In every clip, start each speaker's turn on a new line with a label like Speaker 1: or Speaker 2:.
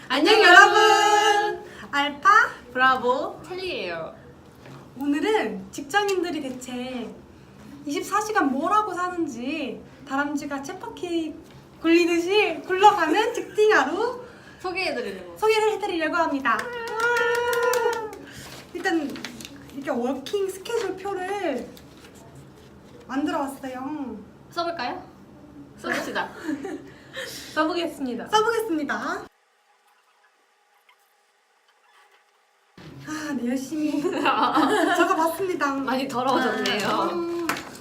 Speaker 1: 안녕 여러분! 알파
Speaker 2: 브라보 찰리예요.
Speaker 1: 오늘은 직장인들이 대체 24시간 뭘 하고 사는지 다람쥐가 쳇바퀴 굴리듯이 굴러가는 직딩 하루 소개를 해드리려고 합니다. 일단 이렇게 워킹 스케줄 표를 만들어 왔어요.
Speaker 2: 써볼까요? 써봅시다.
Speaker 1: 써보겠습니다. 네, 열심히 적어봤습니다.
Speaker 2: 많이 더러워졌네요.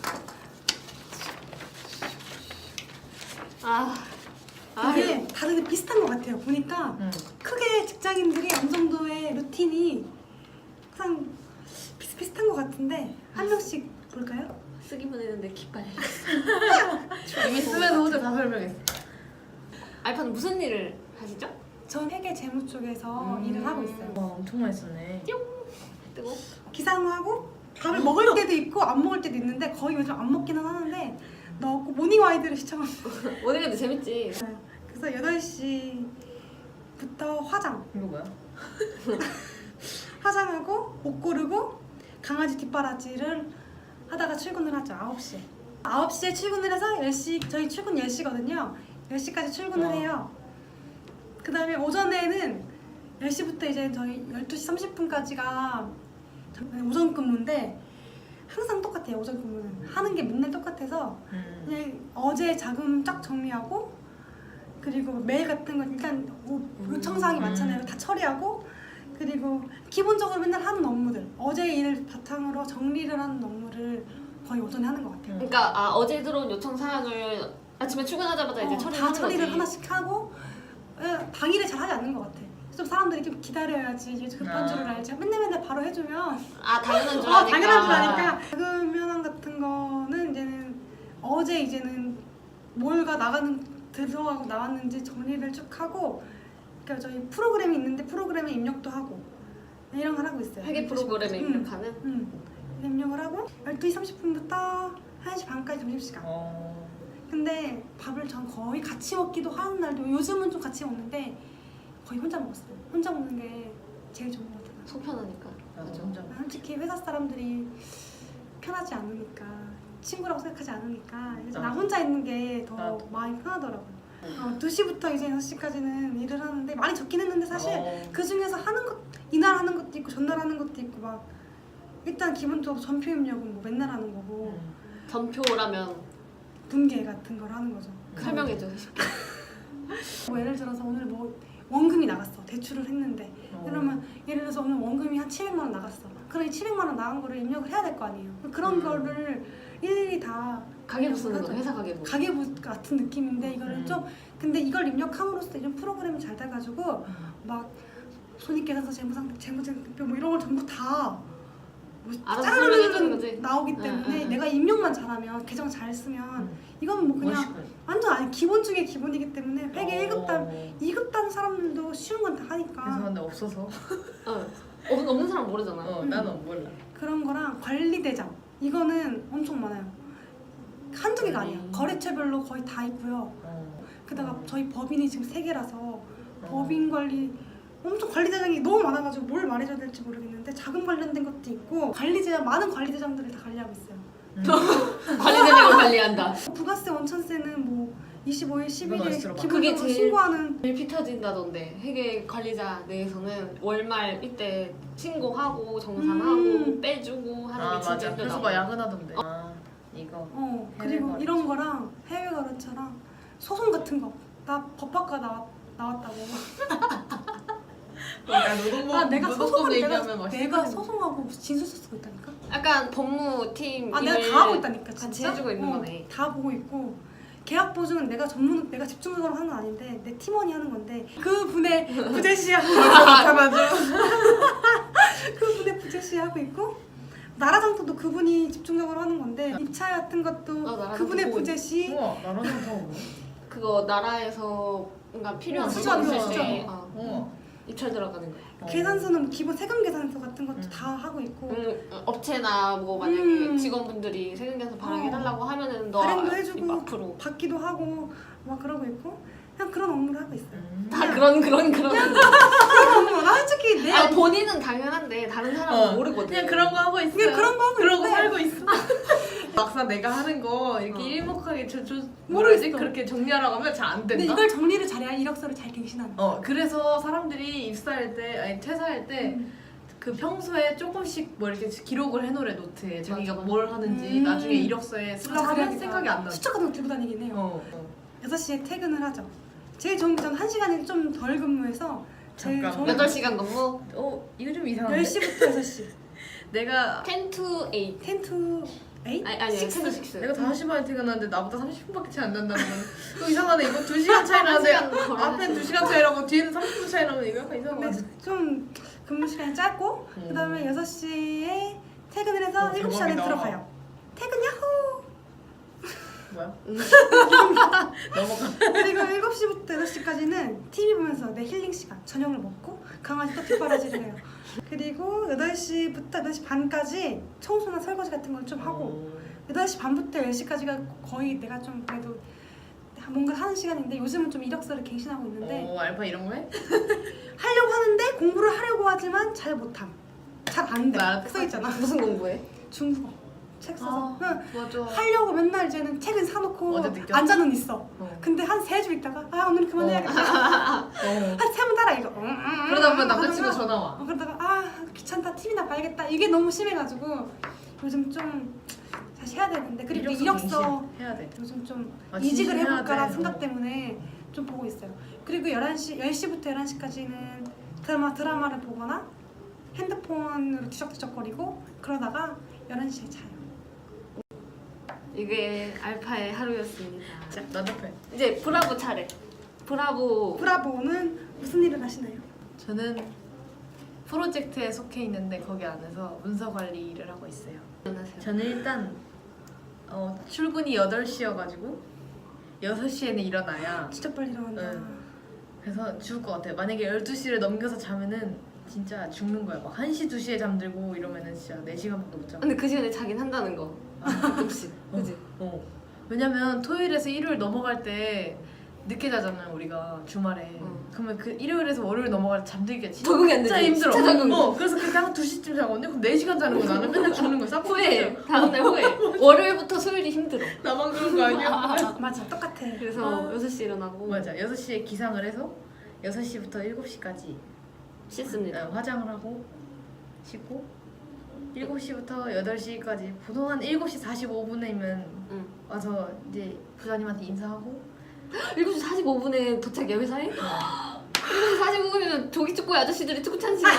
Speaker 1: 이게 다른데 비슷한 것 같아요. 보니까 크게 직장인들이 어느 정도의 루틴이 항상 비슷비슷한 것 같은데 한 명씩 볼까요?
Speaker 2: 쓰기만 했는데 기빨려.
Speaker 3: 이미 쓰면 혼자 다 설명했어.
Speaker 2: 알파는 무슨 일을 하시죠?
Speaker 1: 전 회계 재무 쪽에서 일을 하고 있어요.
Speaker 3: 와, 엄청 많이 썼네.
Speaker 2: 뜨고
Speaker 1: 기상하고 밥을 먹을 때도 있고 안 먹을 때도 있는데 거의 요즘 안 먹기는 하는데 넣고 모닝 와이드를 시청합니다.
Speaker 2: 오늘도 재밌지.
Speaker 1: 그래서 8시부터 화장
Speaker 3: 이거 뭐야?
Speaker 1: 화장하고 옷 고르고 강아지 뒷바라지를 하다가 출근을 하죠. 9시에 9시에 출근을 해서 10시 저희 출근 10시거든요 10시까지 출근을 해요. 그 다음에 오전에는 10시부터 이제 저희 12시 30분까지가 오전 근무인데 항상 똑같아요. 오전 근무는 하는 게 맨날 똑같아서 그냥 어제 자금 쫙 정리하고 그리고 메일 같은 거 일단 요청사항이 많잖아요. 다 처리하고 그리고 기본적으로 맨날 하는 업무들 어제 일 바탕으로 정리를 하는 업무를 거의 오전에 하는 것 같아요.
Speaker 2: 그러니까 어제 들어온 요청 사항을 아침에 출근하자마자 이제
Speaker 1: 다
Speaker 2: 처리하는
Speaker 1: 처리를
Speaker 2: 거지.
Speaker 1: 하나씩 하고 당일에 잘 하지 않는 것 같아. 좀 사람들이 좀 기다려야지 이제 급한 줄을 알지. 맨날 바로 해주면
Speaker 2: 당연한 줄 아니까.
Speaker 1: 당연한 줄 아니까. 자금 현황 같은 거는 이제는 어제 이제는 뭘가 들어가고 나왔는지 정리를 쭉 하고 그러니까 저희 프로그램이 있는데 프로그램에 입력도 하고 이런 걸 하고 있어요.
Speaker 2: 회계 프로그램에 입력하는?
Speaker 1: 입력을 하고 12시 30분부터 1시 반까지 점심시간. 근데 밥을 전 거의 같이 먹기도 하는 날도 요즘은 좀 같이 먹는데 거의 혼자 먹었어요. 혼자 먹는 게 제일 좋은 것 같아요.
Speaker 2: 속 편하니까.
Speaker 3: 맞아, 혼자.
Speaker 1: 솔직히 회사 사람들이 편하지 않으니까 친구라고 생각하지 않으니까 그래서 나 혼자 있는 게 더 마음이 편하더라고요. 2시부터 이제 6시까지는 일을 하는데 많이 적긴 했는데 사실 그 중에서 하는 것 이날 하는 것도 있고 전날 하는 것도 있고 막 일단 기본적으로 전표 입력은 뭐 맨날 하는 거고
Speaker 2: 전표라면
Speaker 1: 분계 같은 걸 하는 거죠.
Speaker 2: 설명해줘 쉽게.
Speaker 1: 뭐 예를 들어서 오늘 뭐 원금이 나갔어. 대출을 했는데 그러면 예를 들어서 오늘 원금이 한 700만 원 나갔어. 그럼 이 700만 원 나간 거를 입력을 해야 될 거 아니에요. 그런 거를 일일이 다
Speaker 2: 가계부 쓰는 거 회사 가계부.
Speaker 1: 가계부 같은 느낌인데 이거를 좀 근데 이걸 입력함으로써 이런 프로그램이 잘 돼가지고 막 손익계산서 재무제표 뭐 이런 걸 전부 다
Speaker 2: 알아서 설명해주는
Speaker 1: 짜르르르
Speaker 2: 거지.
Speaker 1: 나오기 때문에 내가 입력만 잘하면 계정 잘 쓰면 이건 뭐 그냥
Speaker 3: 멋있고.
Speaker 1: 완전 아니 기본 중에 기본이기 때문에 회계 1급 단
Speaker 3: 어.
Speaker 1: 2급 단 사람들도 쉬운 건 다 하니까
Speaker 3: 죄송한데 없어서.
Speaker 2: 없는 사람 모르잖아.
Speaker 3: 나는 몰라.
Speaker 1: 그런 거랑 관리대장 이거는 엄청 많아요. 한두 개가 아니야. 거래처별로 거의 다 있고요. 게다가 저희 법인이 지금 3개라서 법인 관리 엄청 관리대장이 너무 많아가지고 뭘 말해줘야 될지 모르겠는데 자금 관련된 것도 있고 관리대장 많은 관리대장들을 다 관리하고 있어요.
Speaker 2: 관리대장을 관리한다.
Speaker 1: 부가세 원천세는 뭐 25일, 11일
Speaker 3: 들어봐.
Speaker 2: 그게
Speaker 1: 기본적으로
Speaker 2: 제일
Speaker 1: 신고하는
Speaker 2: 제일 피 터진다던데. 회계 관리자 내에서는 월말 이때 신고하고 정산하고 빼주고 하는 게 진짜
Speaker 3: 맞아.
Speaker 2: 힘들다.
Speaker 3: 그래서 막 야근하던데. 이거.
Speaker 1: 그리고
Speaker 3: 해외
Speaker 1: 이런 거랑 해외 거래처랑 소송 같은 거 나 법학과 나왔다고 내가 소송하고 진술서 쓰고 있다니까.
Speaker 2: 약간 법무팀
Speaker 1: 내가
Speaker 2: 일을
Speaker 1: 다 하고 있다니까 진짜.
Speaker 2: 같이 해주고 있는 거네.
Speaker 1: 다 보고 있고 계약 보증은 내가 집중적으로 하는 건 아닌데 내 팀원이 하는 건데 그 분의 부재시하고 그 분의 부재시하고 있고 나라장터도 그분이 집중적으로 하는 건데 입찰 같은 것도
Speaker 2: 나라장터
Speaker 1: 그분의
Speaker 2: 보고
Speaker 1: 부재시.
Speaker 3: 우와, 나라는 더 뭐?
Speaker 2: 그거 나라에서 뭔가 필요한
Speaker 1: 수저
Speaker 2: 물건
Speaker 1: 수저.
Speaker 2: 있을 때
Speaker 3: 우와.
Speaker 2: 입찰 들어가는 거야.
Speaker 1: 계산서는 기본 세금 계산서 같은 것도 다 하고 있고
Speaker 2: 업체나 뭐 만약에 직원분들이 세금 계산 발행해달라고 하면은 너
Speaker 1: 발행도 해주고
Speaker 2: 앞으로
Speaker 1: 받기도 하고 막 그러고 있고 그냥 그런 업무를 하고 있어요.
Speaker 2: 다 그런
Speaker 1: 나 솔직히 내
Speaker 2: 아 본인은 당연한데 다른 사람은 모르거든.
Speaker 3: 그냥 그런 거 하고 있어.
Speaker 1: 그냥 그런 거 하고
Speaker 3: 그러고
Speaker 1: 있는데
Speaker 3: 살고 있어. 막상 내가 하는 거 이렇게 일목하게
Speaker 1: 모르겠어.
Speaker 3: 그렇게 정리하라고 하면 잘 안
Speaker 1: 근데
Speaker 3: 된다.
Speaker 1: 이걸 정리를 잘해야 이력서를 잘 갱신하는 거야.
Speaker 3: 그래서 사람들이 입사할 때 아니 퇴사할 때 그 평소에 조금씩 뭐 이렇게 기록을 해놓으래 노트에 자기가
Speaker 2: 맞아.
Speaker 3: 뭘 하는지 나중에 이력서에 쓰려고 하면
Speaker 1: 그래야겠다.
Speaker 3: 생각이 안 나.
Speaker 1: 수첩 같은 거 들고 다니긴 해요.
Speaker 3: 어.
Speaker 1: 6시에 퇴근을 하죠. 제일 좋은 게 저는 1시간이 좀 덜 근무해서 제일
Speaker 3: 잠깐.
Speaker 1: 좋은
Speaker 2: 8시간 근무?
Speaker 3: 이거 좀 이상한데?
Speaker 1: 10시부터 6시.
Speaker 3: 내가
Speaker 2: 10 to 8.
Speaker 1: 10 to 8?
Speaker 2: 아니 10 to 6.
Speaker 3: 내가 5시 반에 퇴근하는데 나보다 30분밖에 차이 안 난다는 건 이거 이상하네. 이거 2시간 차이 나는데
Speaker 2: 1시간 걸어야지.
Speaker 3: 앞엔 2시간 차이라고 뒤에는 30분 차이 나면 이거 약간 이상한 거
Speaker 1: 근데
Speaker 3: 같아.
Speaker 1: 좀 근무 시간이 짧고 그다음에 6시에 퇴근을 해서 7시 안에
Speaker 3: 대박이다.
Speaker 1: 들어가요. 퇴근 야호!
Speaker 3: 뭐야?
Speaker 2: 음.
Speaker 3: 넘어가.
Speaker 1: 그리고 7시부터 8시까지는 TV 보면서 내 힐링 시간 저녁을 먹고 강아지 또 뒷바라지를 해요. 그리고 8시부터 8시 반까지 청소나 설거지 같은 걸 좀 하고 8시 반부터 10시까지가 거의 내가 좀 그래도 뭔가 하는 시간인데 요즘은 좀 이력서를 갱신하고 있는데
Speaker 3: 알파 이런 거 해?
Speaker 1: 하려고 하는데 공부를 하려고 하지만 잘 못함. 잘 안 돼.
Speaker 3: 나
Speaker 1: 써있잖아.
Speaker 2: 무슨 공부해?
Speaker 1: 중국어 책 써서 응.
Speaker 3: 맞아.
Speaker 1: 하려고 맨날 이제는 책은 사놓고
Speaker 3: 어제 느꼈어?
Speaker 1: 앉아는 있어. 근데 한 3주 있다가 오늘 그만해야겠다. 한 3번 따라 읽어.
Speaker 3: 그러다 보면 남자친구 전화 와.
Speaker 1: 그러다가 귀찮다 TV나 봐야겠다. 이게 너무 심해가지고 요즘 좀 다시 해야 되는데 그리고 이력서
Speaker 3: 갱신 해야 돼.
Speaker 1: 요즘 좀
Speaker 3: 진심
Speaker 1: 이직을
Speaker 3: 해야
Speaker 1: 해볼까라는
Speaker 3: 돼.
Speaker 1: 생각 때문에 좀 보고 있어요. 그리고 10시부터 11시까지는 드라마를 보거나 핸드폰으로 뒤적뒤적거리고 그러다가 11시에 자요.
Speaker 2: 이게 알파의 하루였습니다.
Speaker 3: 자, 나답해.
Speaker 2: 이제 브라보 차례.
Speaker 1: 브라보는 무슨 일을 하시나요?
Speaker 3: 저는 프로젝트에 속해 있는데 거기 안에서 문서 관리 일을 하고 있어요.
Speaker 2: 안녕하세요.
Speaker 3: 저는 일단 출근이 8시여가지고 6시에는 일어나야
Speaker 1: 진짜 빨리 일어난다.
Speaker 3: 응. 그래서 죽을 것 같아요. 만약에 12시를 넘겨서 자면은 진짜 죽는 거야. 막 1시, 2시에 잠들고 이러면은 진짜 4시간밖에 못 자.
Speaker 2: 근데 그 시간에 자긴 한다는 거. 가끔씩. 그지?
Speaker 3: 왜냐면 토요일에서 일요일 넘어갈 때 늦게 자잖아요 우리가 주말에. 그러면 그 일요일에서 월요일 넘어갈 때 잠들기가
Speaker 2: 적응이 안 되지.
Speaker 3: 진짜 힘들어.
Speaker 2: 진짜 적응.
Speaker 3: 그래서 그때 한 2시쯤 자거든요. 그럼 4시간 자는 거 나는 맨날 죽는 거야. 싹
Speaker 2: 후회. 다음날 후회. 월요일부터 수요일이 힘들어.
Speaker 3: 나만 그런 거 아니야?
Speaker 1: 맞아 똑같아.
Speaker 2: 그래서 6시 일어나고
Speaker 3: 맞아. 6시에 기상을 해서 6시부터 7시까지
Speaker 2: 씻습니다.
Speaker 3: 화장을 하고 씻고 7시부터 8시까지 보통 한 7시 45분이면
Speaker 2: 응.
Speaker 3: 와서 이제 부장님한테 인사하고
Speaker 2: 7시 45분에 도착이야 회사에? 7시 45분이면 조기축구의 아저씨들이 축구 찬 시간.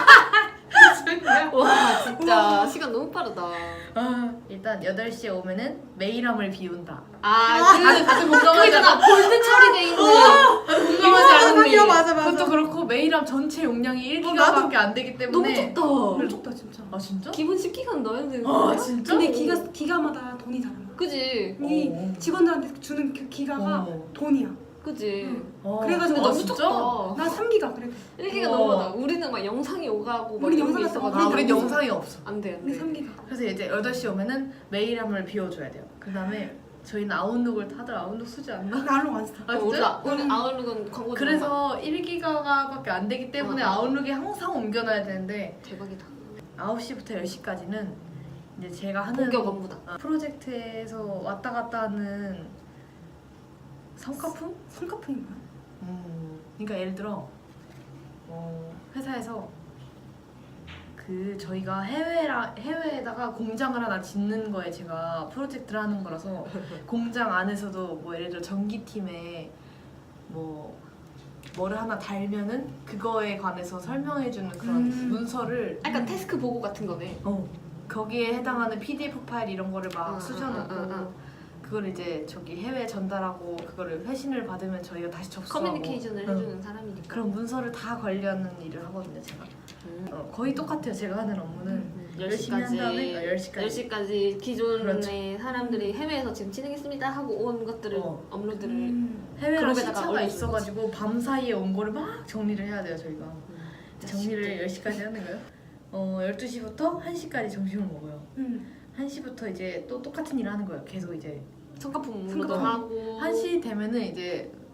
Speaker 2: 와 진짜 시간 너무 빠르다.
Speaker 3: 일단 8시에 오면은 메일함을 비운다.
Speaker 2: 다들
Speaker 3: 공감하지
Speaker 2: 그거잖아. 볼드 처리돼 있는.
Speaker 3: 공감하지 않는 메일.
Speaker 1: 맞아.
Speaker 3: 그것도 그렇고 메일함 전체 용량이
Speaker 1: 나도.
Speaker 3: 1기가밖에 안 되기
Speaker 2: 너무
Speaker 3: 때문에
Speaker 2: 적다.
Speaker 1: 너무 좋다 진짜.
Speaker 3: 아 진짜?
Speaker 2: 기본 10기가는 넣어야 되는
Speaker 3: 아
Speaker 2: 거야?
Speaker 3: 진짜?
Speaker 1: 근데 기가마다 돈이 달라.
Speaker 2: 그지?
Speaker 1: 이
Speaker 3: 어.
Speaker 1: 직원들한테 주는 그 기가가
Speaker 3: 어.
Speaker 1: 돈이야.
Speaker 2: 그지?
Speaker 1: 그래가지고
Speaker 2: 근데 너무
Speaker 3: 진짜?
Speaker 2: 적다.
Speaker 1: 나 3기가 그래도.
Speaker 2: 1기가
Speaker 3: 어.
Speaker 2: 너무 많아. 우리는 막 영상이 오가고 막
Speaker 1: 우리
Speaker 2: 이런 게
Speaker 1: 영상이
Speaker 2: 있어가지고.
Speaker 1: 없어.
Speaker 3: 우린 영상이 없어.
Speaker 2: 안 돼, 안
Speaker 1: 근데
Speaker 2: 돼.
Speaker 1: 3기가.
Speaker 3: 그래서 이제 8시 오면은 메일함을 비워줘야 돼요. 그 다음에 저희는 아웃룩을 다들 아웃룩 쓰지 않나?
Speaker 1: 나 알로 안 써.
Speaker 3: 아
Speaker 2: 우리
Speaker 3: 진짜?
Speaker 2: 아웃룩은 광고
Speaker 3: 그래서 1기가밖에 안 되기 때문에
Speaker 2: 어.
Speaker 3: 아웃룩에 항상 옮겨놔야 되는데
Speaker 2: 대박이다.
Speaker 3: 9시부터 10시까지는 이제 제가 하는
Speaker 2: 본격 업무다.
Speaker 3: 프로젝트에서 왔다 갔다 하는 성과품?
Speaker 1: 손카풍이 뭐야?
Speaker 3: 그러니까 예를 들어 회사에서 그 저희가 해외에다가 공장을 하나 짓는 거에 제가 프로젝트를 하는 거라서 공장 안에서도 뭐 예를 들어 전기팀에 뭐를 하나 달면은 그거에 관해서 설명해주는 그런 문서를
Speaker 2: 약간 태스크 보고 같은 거네.
Speaker 3: 거기에 해당하는 PDF 파일 이런 거를 막
Speaker 2: 응,
Speaker 3: 쑤셔놓고
Speaker 2: 응, 응.
Speaker 3: 그걸 이제 저기 해외 전달하고 그거를 회신을 받으면 저희가 다시 접수하고
Speaker 2: 커뮤니케이션을 해주는 사람이니까.
Speaker 3: 그런 문서를 다 관리하는 일을 하거든요 제가. 거의 똑같아요 제가 하는 업무는. 열심히 한 다음에 10시까지
Speaker 2: 10시까지 기존의
Speaker 3: 그렇죠.
Speaker 2: 사람들이 해외에서 지금 진행했습니다 하고 온 것들을 업로드를
Speaker 3: 해외로
Speaker 2: 그룹에다가
Speaker 3: 시차가
Speaker 2: 올려주는
Speaker 3: 있어가지고 밤 사이에 온 거를 막 정리를 해야 돼요 저희가. 정리를 10시까지 하는 거예요. 12시부터 1시까지 점심을 먹어요. 1시부터 이제 또 똑같은 일을 하는 거예요. 계속 이제
Speaker 2: 성과품 업로드 하고
Speaker 3: 1시 되면은 이제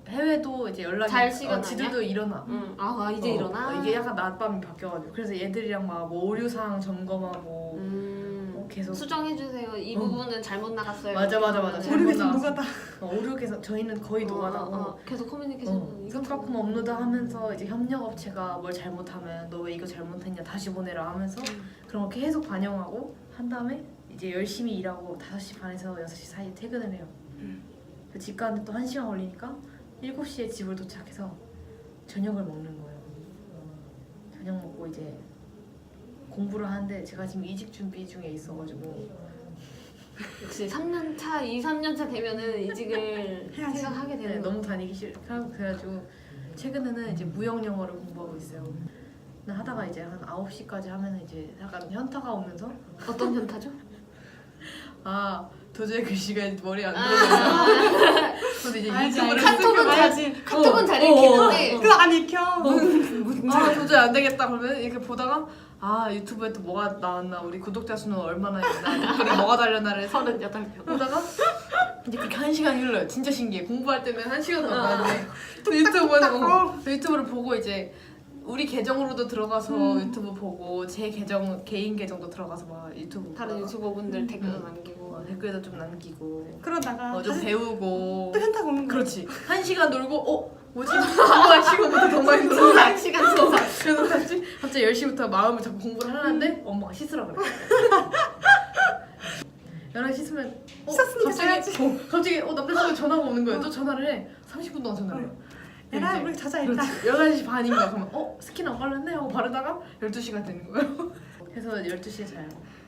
Speaker 3: 해외도 이제 연락이
Speaker 2: 잘 시간
Speaker 3: 지들도 일어나.
Speaker 2: 아 이제 일어나.
Speaker 3: 이게 약간 낮밤이 바뀌어가지고 그래서 얘들이랑 막 뭐 오류 사항 점검하고 계속
Speaker 2: 수정해주세요. 이 부분은 잘못 나갔어요.
Speaker 3: 맞아.
Speaker 2: 그러면은
Speaker 3: 잘못
Speaker 1: 모르겠어
Speaker 3: 나왔어.
Speaker 1: 누가다.
Speaker 3: 오류해서 저희는 거의 노가다고
Speaker 2: 계속 커뮤니케이션.
Speaker 3: 스프라품 업로드하면서 이제 협력업체가 뭘 잘못하면 너 왜 이거 잘못했냐 다시 보내라 하면서 그런 거 계속 반영하고 한 다음에 이제 열심히 일하고 5시 반에서 6시 사이에 퇴근을 해요. 집 가는데 또 1시간 걸리니까 7시에 집을 도착해서 저녁을 먹는 거예요. 저녁 먹고 이제 공부를 하는데 제가 지금 이직 준비 중에 있어가지고
Speaker 2: 역시 3년차, 2, 3년차 되면은 이직을
Speaker 1: 해야지.
Speaker 2: 생각하게
Speaker 3: 네,
Speaker 2: 되는 거.
Speaker 3: 너무 다니기 싫고 그래가지고 최근에는 이제 무역 영어를 공부하고 있어요. 근데 하다가 이제 한 9시까지 하면은 이제 약간 현타가 오면서
Speaker 2: 어떤 현타죠?
Speaker 3: 아 도저히 글씨가 머리에 안 들어가요. 근데 이제
Speaker 1: 알지,
Speaker 3: 유튜브를
Speaker 1: 알지.
Speaker 2: 카톡은
Speaker 1: 알지.
Speaker 2: 카톡은 잘 읽히는데
Speaker 1: 그거 안 익혀.
Speaker 3: 아 도저히 안 되겠다 그러면 이렇게 보다가 아 유튜브에 또 뭐가 나왔나 우리 구독자 수는 얼마나 있나 댓글에 뭐가 달렸나를 해서
Speaker 2: 38명.
Speaker 3: 보다가 이제 그렇게 1시간이 흘러요. 진짜 신기해. 공부할 때는 1시간도 안 가는데 또 유튜브를 보고 이제 우리 계정으로도 들어가서 유튜브 보고 제 계정 개인 계정도 들어가서 막 유튜브
Speaker 2: 다른
Speaker 3: 보다가
Speaker 2: 유튜버분들 댓글 남기고.
Speaker 3: 댓글도 좀 남기고
Speaker 1: 그러다가
Speaker 3: 좀
Speaker 1: 다시
Speaker 3: 배우고
Speaker 1: 또 현타가 오는 거야.
Speaker 3: 그렇지 1시간 놀고 뭐지? 공부할 시간보다 더 많이 놀아
Speaker 2: 소상 시간 소상.
Speaker 3: 그래서 갑자기 10시부터 마음을 잡고 공부를 하려는데 엄마가 씻으라 그래 11시 씻으면
Speaker 1: 씻었으니까 자야지.
Speaker 3: 갑자기 남자친구 전화가 오는 거예요. 또 전화를 해 30분 동안 전화를 해요
Speaker 1: 얘들아
Speaker 3: 이제
Speaker 1: 우리 자자 일단.
Speaker 3: 11시 반인가 그러면 스킨 안 발랐네 하고 바르다가 12시가 되는 거예요 그래서 12시에 자요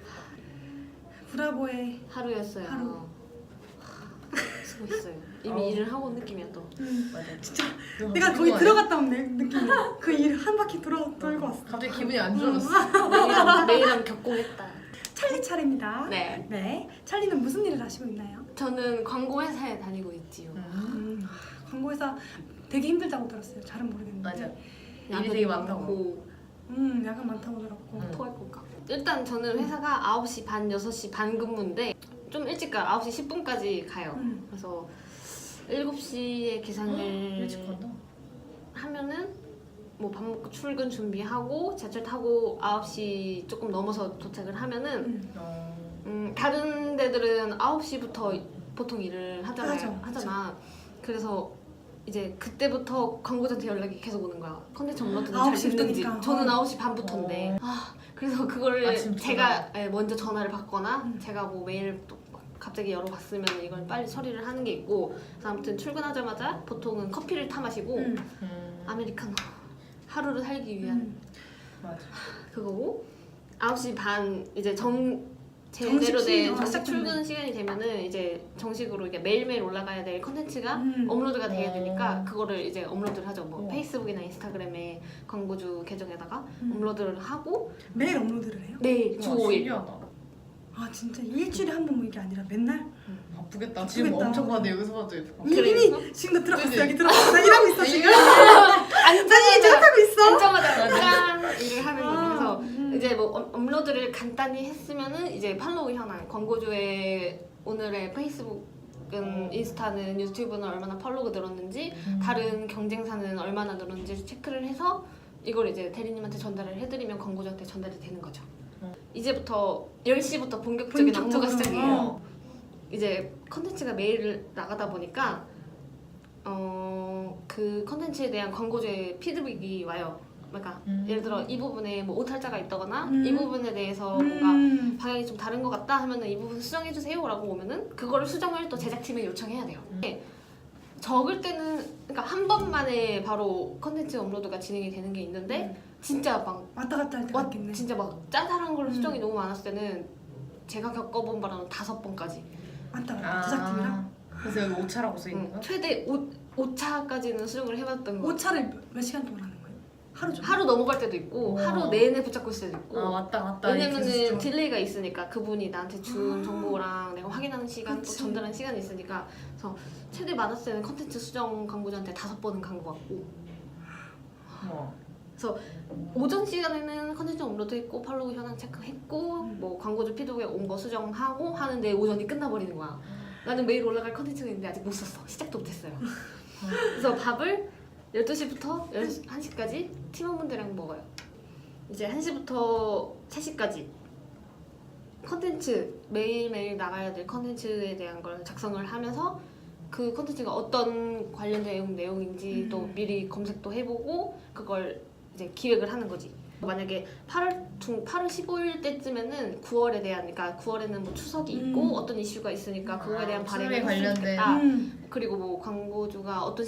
Speaker 1: 브라보의
Speaker 2: 하루였어요.
Speaker 1: 하루.
Speaker 2: 수고했어요. 이미 일을 하고 온 느낌이야 또.
Speaker 3: 맞아
Speaker 1: 진짜
Speaker 3: 그거
Speaker 1: 내가 거기
Speaker 3: 피곤하네.
Speaker 1: 들어갔다 온 느낌이. 그 일 한 바퀴 돌고 왔어.
Speaker 3: 갑자기 기분이 안 좋아졌어
Speaker 2: 내일은 격공했다.
Speaker 1: 찰리 차례입니다.
Speaker 2: 네.
Speaker 1: 네. 찰리는 무슨 일을 하시고 있나요?
Speaker 2: 저는 광고 회사에 다니고 있지요.
Speaker 1: 광고회사 되게 힘들다고 들었어요. 잘은 모르겠는데.
Speaker 3: 맞아 일이 되게 많다고
Speaker 2: 많고
Speaker 1: 야간 많다고 들었고.
Speaker 2: 토할 것 같고. 일단 저는 회사가 9시 반, 6시 반 근무인데 좀 일찍 가요. 9시 10분까지 가요. 그래서 7시에 기상을
Speaker 3: 일찍 간다
Speaker 2: 하면은 뭐 밥 먹고 출근 준비하고 지하철 타고 9시 조금 넘어서 도착을 하면은 다른 데들은 9시부터 보통 일을 하잖아. 그래서 이제 그때부터 광고자한테 연락이 계속 오는 거야. 컨텐츠 업로드는 잘
Speaker 1: 9시
Speaker 2: 됐는지.
Speaker 1: 부터니까.
Speaker 2: 저는 9시 반부터인데. 그래서 그거를
Speaker 3: 아침부터
Speaker 2: 제가 먼저 전화를 받거나 제가 뭐 메일 또 갑자기 열어봤으면 이걸 빨리 처리를 하는 게 있고. 그래서 아무튼 출근하자마자 보통은 커피를 타 마시고 아메리카노 하루를 살기 위한
Speaker 3: 맞아
Speaker 2: 그거고 9시 반 이제 제대로
Speaker 1: 정식
Speaker 2: 된
Speaker 1: 시간,
Speaker 2: 정식
Speaker 1: 시작되는
Speaker 2: 출근 시간이 되면은 이제 정식으로 이게 매일매일 올라가야 될 컨텐츠가 업로드가 돼야 되니까 그거를 이제 업로드를 하죠. 뭐 페이스북이나 인스타그램에 광고주 계정에다가 업로드를 하고
Speaker 1: 매일 업로드를 해요?
Speaker 2: 내일 주 5일.
Speaker 3: 신기하다
Speaker 1: 아 진짜 일주일에 한 번 뭐 이게 아니라 맨날?
Speaker 3: 바쁘겠다 지금 엄청 많은데 여기서 봐도 예뻐
Speaker 1: 이미 지금 나 들어갔어.
Speaker 3: 그치?
Speaker 1: 여기 들어갔어. 나 일하고 있어 지금.
Speaker 2: 안정하자
Speaker 1: 하고 있어.
Speaker 2: 안정하자 짠 일을 하는 거죠. 그래서
Speaker 1: 음.
Speaker 2: 이제 뭐 업로드를 간단히 했으면은 이제 팔로우 현황 광고주의 오늘의 페이스북은 인스타는 유튜브는 얼마나 팔로우가 늘었는지 다른 경쟁사는 얼마나 늘었는지 체크를 해서 이걸 이제 대리님한테 전달을 해드리면 광고주한테 전달이 되는 거죠. 이제부터 10시부터 본격적인 업무가
Speaker 1: 본격적으로.
Speaker 2: 시작이에요. 이제 컨텐츠가 매일 나가다 보니까 그 컨텐츠에 대한 광고주의 피드백이 와요. 그러니까 예를 들어 이 부분에 뭐 오탈자가 있다거나 이 부분에 대해서 뭔가 방향이 좀 다른 것 같다 하면은 이 부분 수정해 주세요라고 오면은 그거를 수정을 또 제작팀에 요청해야 돼요. 적을 때는 그러니까 한 번만에 바로 컨텐츠 업로드가 진행이 되는 게 있는데 진짜 막
Speaker 1: 왔다 갔다 할 때가 있겠네.
Speaker 2: 진짜 막 짜잘한 걸로 수정이 너무 많았을 때는 제가 겪어본 바로는 5번까지.
Speaker 1: 왔다 갔다 제작팀이랑.
Speaker 3: 그래서 여기 오차라고 써있는 거야?
Speaker 2: 최대 5차까지는 수정을 해봤던 거.
Speaker 1: 5차를 몇 시간 동안 하는 거예요? 하루 종일?
Speaker 2: 하루 넘어갈 때도 있고
Speaker 3: 우와.
Speaker 2: 하루 내내 붙잡고 있을 때도 있고.
Speaker 3: 왔다
Speaker 2: 왜냐면은 딜레이가 있으니까 그분이 나한테 준 정보랑 내가 확인하는 시간 또
Speaker 1: 그치.
Speaker 2: 전달하는 시간이 있으니까 그래서 최대 많았을 때는 컨텐츠 수정 광고자한테 5번은 간 것 같고 오전 시간에는 컨텐츠 업로드했고 팔로우 현황 체크했고 뭐 광고주 피드백에 온 거 수정하고 하는데 오전이 끝나버리는 거야. 나는 매일 올라갈 컨텐츠가 있는데 아직 못 썼어. 시작도 못했어요. 그래서 밥을 12시부터 1시까지 팀원분들이랑 먹어요. 이제 1시부터 3시까지 컨텐츠, 매일매일 나가야 될 컨텐츠에 대한 걸 작성을 하면서 그 컨텐츠가 어떤 관련된 내용인지 또 미리 검색도 해보고 그걸 이제 기획을 하는 거지. 만약에 8월 15일 때쯤에는 9월에 대한, 그러니까 9월에는 뭐 추석이 있고 어떤 이슈가 있으니까 그거에 대한 발행을
Speaker 3: 추석에
Speaker 2: 했으면
Speaker 3: 관련된.
Speaker 2: 좋겠다. 그리고 뭐 광고주가 어떤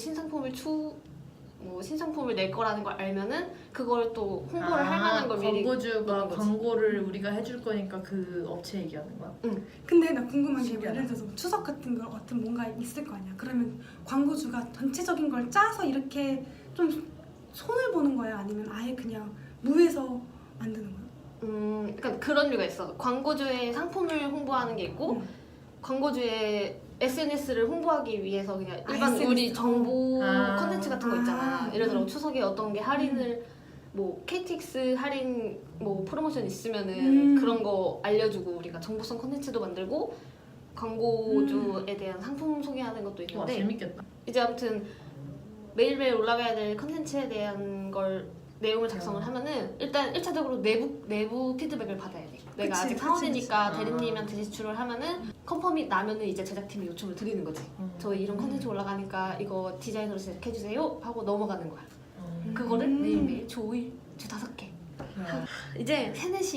Speaker 2: 신상품을 낼 거라는 걸 알면은 그걸 또 홍보를 할 만한 걸 미리
Speaker 3: 광고주가
Speaker 2: 넣는 거지.
Speaker 3: 광고를 우리가 해줄 거니까 그 업체 얘기하는 거야?
Speaker 1: 근데 나 궁금한 게
Speaker 3: 신기하다.
Speaker 1: 예를 들어서 추석 같은 거 같은 뭔가 있을 거 아니야. 그러면 광고주가 전체적인 걸 짜서 이렇게 좀 손을 보는 거야? 아니면 아예 그냥 무에서 만드는 거야?
Speaker 2: 그러니까 그런 류가 있어. 광고주의 상품을 홍보하는 게 있고 광고주의 SNS를 홍보하기 위해서 그냥 일반
Speaker 1: SNS.
Speaker 2: 우리 정보
Speaker 3: 아.
Speaker 2: 컨텐츠 같은 거 있잖아. 예를 들어 추석에 어떤 게 할인을 뭐 KTX 할인 뭐 프로모션 있으면은 그런 거 알려주고 우리가 정보성 컨텐츠도 만들고 광고주에 대한 상품 소개하는 것도
Speaker 3: 와
Speaker 2: 있는데
Speaker 3: 재밌겠다.
Speaker 2: 이제 아무튼 매일매일 올라가야 될 컨텐츠에 대한 걸 내용을 작성을 하면은 일단 1차적으로 내부 피드백을 받아야 돼. 내가
Speaker 1: 그치,
Speaker 2: 아직
Speaker 1: 그치,
Speaker 2: 사원이니까
Speaker 3: 그치.
Speaker 2: 대리님한테 제출을 하면은 컨펌이 나면은 이제 제작팀에 요청을 드리는 거지. 저희 이런 컨텐츠 올라가니까 이거 디자인으로 제작해주세요 하고 넘어가는 거야. 그거를 매일매일 주 5일, 주 5개. 이제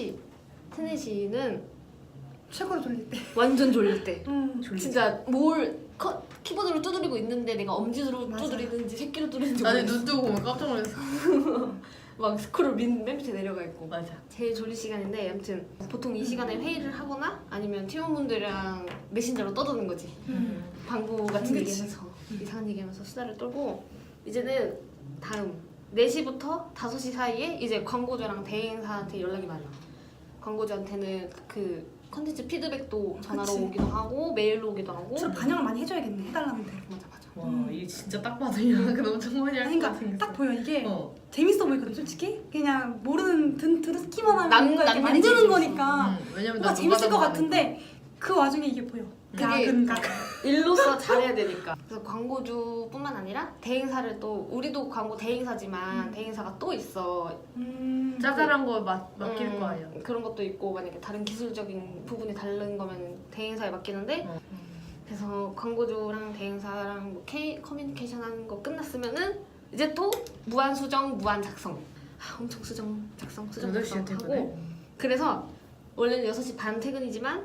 Speaker 2: 4시는
Speaker 1: 최고로 졸릴 때.
Speaker 2: 완전 졸릴 때.
Speaker 3: 졸리지.
Speaker 2: 진짜 키보드로 두드리고 있는데 내가 엄지로
Speaker 1: 맞아.
Speaker 2: 두드리든지 새끼로 두드리든지
Speaker 3: 나는
Speaker 2: 모르겠어.
Speaker 3: 눈 뜨고 보면 깜짝 놀랐어.
Speaker 2: 막 스크롤 맨 밑에 내려가 있고.
Speaker 3: 맞아.
Speaker 2: 제일 졸릴 시간인데 아무튼 보통 이 시간에 회의를 하거나 아니면 팀원분들이랑 메신저로 떠드는 거지. 광고 같은
Speaker 1: 그치.
Speaker 2: 얘기하면서 이상한 얘기하면서 수다를 떨고 이제는 다음 4시부터 5시 사이에 이제 광고주랑 대행사한테 연락이 많아. 광고주한테는 그 컨텐츠 피드백도 전화로
Speaker 1: 그치.
Speaker 2: 오기도 하고 메일로 오기도 하고.
Speaker 1: 주로 반영을 많이 해줘야겠네. 해달라는 대로.
Speaker 2: 맞아 맞아.
Speaker 3: 와 이게 진짜 딱 봐도 연락은 엄청 많이 할것
Speaker 1: 그러니까
Speaker 3: 같은
Speaker 1: 딱 보여. 이게
Speaker 3: 어.
Speaker 1: 재밌어 보이거든 솔직히. 그냥 모르는 듣기만 하면
Speaker 2: 남-
Speaker 1: 뭔가 이렇게
Speaker 2: 남들이
Speaker 1: 만드는
Speaker 2: 재밌어.
Speaker 1: 거니까
Speaker 3: 왜냐면
Speaker 1: 뭔가 재밌을 것 같은데 그 와중에 이게 보여.
Speaker 2: 그게
Speaker 1: 야근
Speaker 2: 일로서 잘해야 되니까. 그래서 광고주뿐만 아니라 대행사를 또 우리도 광고 대행사지만 대행사가 또 있어.
Speaker 3: 짜잘한 거 맡길 거 아니야.
Speaker 2: 그런 것도 있고 만약에 다른 기술적인 부분이 다른 거면 대행사에 맡기는데 그래서 광고주랑 대행사랑 뭐 커뮤니케이션 하는 거 끝났으면은 이제 또 무한 수정, 무한 작성. 엄청 수정, 작성, 수정,
Speaker 3: 8시에
Speaker 2: 작성
Speaker 3: 퇴근해?
Speaker 2: 하고 그래서 원래는 6시 반 퇴근이지만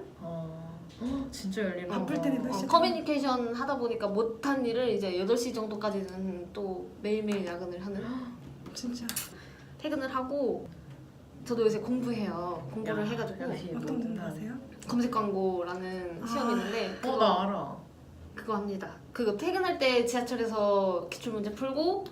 Speaker 3: 진짜 열리는
Speaker 1: 바쁠 때는 몇 시에
Speaker 2: 커뮤니케이션 하다 보니까 못한 일을 이제 8시 정도까지는 또 매일매일 야근을 하는
Speaker 1: 진짜
Speaker 2: 퇴근을 하고 저도 요새 공부해요. 공부를
Speaker 3: 야,
Speaker 2: 해가지고
Speaker 3: 역시
Speaker 1: 어떤
Speaker 3: 모든
Speaker 1: 공부
Speaker 3: 사람.
Speaker 1: 하세요?
Speaker 2: 검색 광고라는 시험이 있는데
Speaker 3: 나 알아.
Speaker 2: 그거 합니다. 그거 퇴근할 때 지하철에서 기출 문제 풀고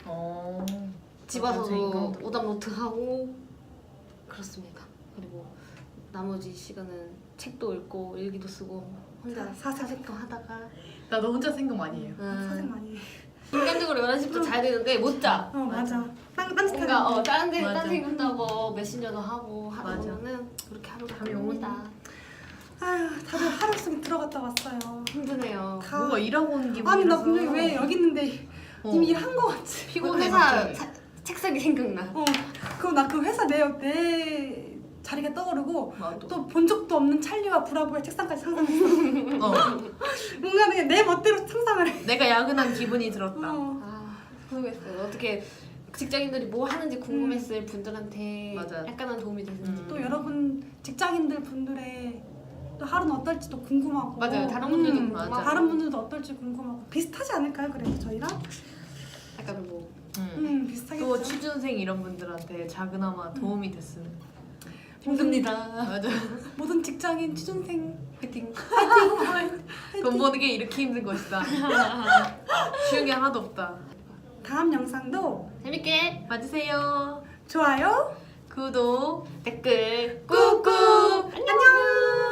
Speaker 2: 집 와서도
Speaker 3: 인강도.
Speaker 2: 오답 노트 하고 그렇습니다. 그리고 나머지 시간은 책도 읽고 일기도 쓰고 혼자 사색도 하다가
Speaker 3: 나도 혼자 생각 많이 해요.
Speaker 1: 사생 많이 해.
Speaker 2: 인간적으로 11시부터 자야 되는데 못 자.
Speaker 1: 맞아. 딴짓하는
Speaker 2: 뭔가 다른 데
Speaker 3: 맞아.
Speaker 2: 딴 생각하고 메신저도 하고 하다
Speaker 3: 맞아.
Speaker 2: 보면은 그렇게 하루가
Speaker 3: 잠이
Speaker 2: 갑니다.
Speaker 1: 아휴 다들 하루 속에 들어갔다 왔어요.
Speaker 2: 힘드네요.
Speaker 1: 다.
Speaker 3: 뭔가 일하고 온 기분이라서.
Speaker 1: 아니 나 분명히 왜 여기 있는데 이미 일한 거 같지?
Speaker 2: 피곤해.
Speaker 3: 회사
Speaker 2: 회사
Speaker 3: 갑자기.
Speaker 2: 책상이 생각나.
Speaker 1: 그럼 나 그 회사 내 자리가 떠오르고
Speaker 3: 나도.
Speaker 1: 또 본 적도 없는 찰리와 브라보의 책상까지 상상했어. 뭔가 그냥 내 멋대로 상상을 해.
Speaker 3: 내가 야근한 기분이 들었다.
Speaker 2: 아 모르겠어요. 어떻게 직장인들이 뭐 하는지 궁금했을 분들한테
Speaker 3: 맞아요.
Speaker 2: 약간은 도움이 됐는지.
Speaker 1: 또 여러분 직장인들 분들의 또 하루는 어떨지 또 궁금하고.
Speaker 2: 맞아요. 다른 분들도 궁금하고.
Speaker 3: 맞아.
Speaker 1: 다른 분들도 어떨지 궁금하고 비슷하지 않을까요? 그래도 저희랑?
Speaker 2: 약간 뭐
Speaker 1: 비슷하겠죠.
Speaker 3: 또 취준생 이런 분들한테 작은아마 도움이 됐으면.
Speaker 2: 힘듭니다.
Speaker 3: 맞아.
Speaker 1: 모든 직장인 취준생
Speaker 2: 화이팅.
Speaker 3: 돈 버는 게 이렇게 힘든 것이다. 쉬운 게 하나도 없다.
Speaker 1: 다음 영상도
Speaker 2: 재밌게
Speaker 3: 봐주세요.
Speaker 1: 좋아요,
Speaker 3: 구독.
Speaker 2: 댓글
Speaker 1: 꾹꾹 안녕.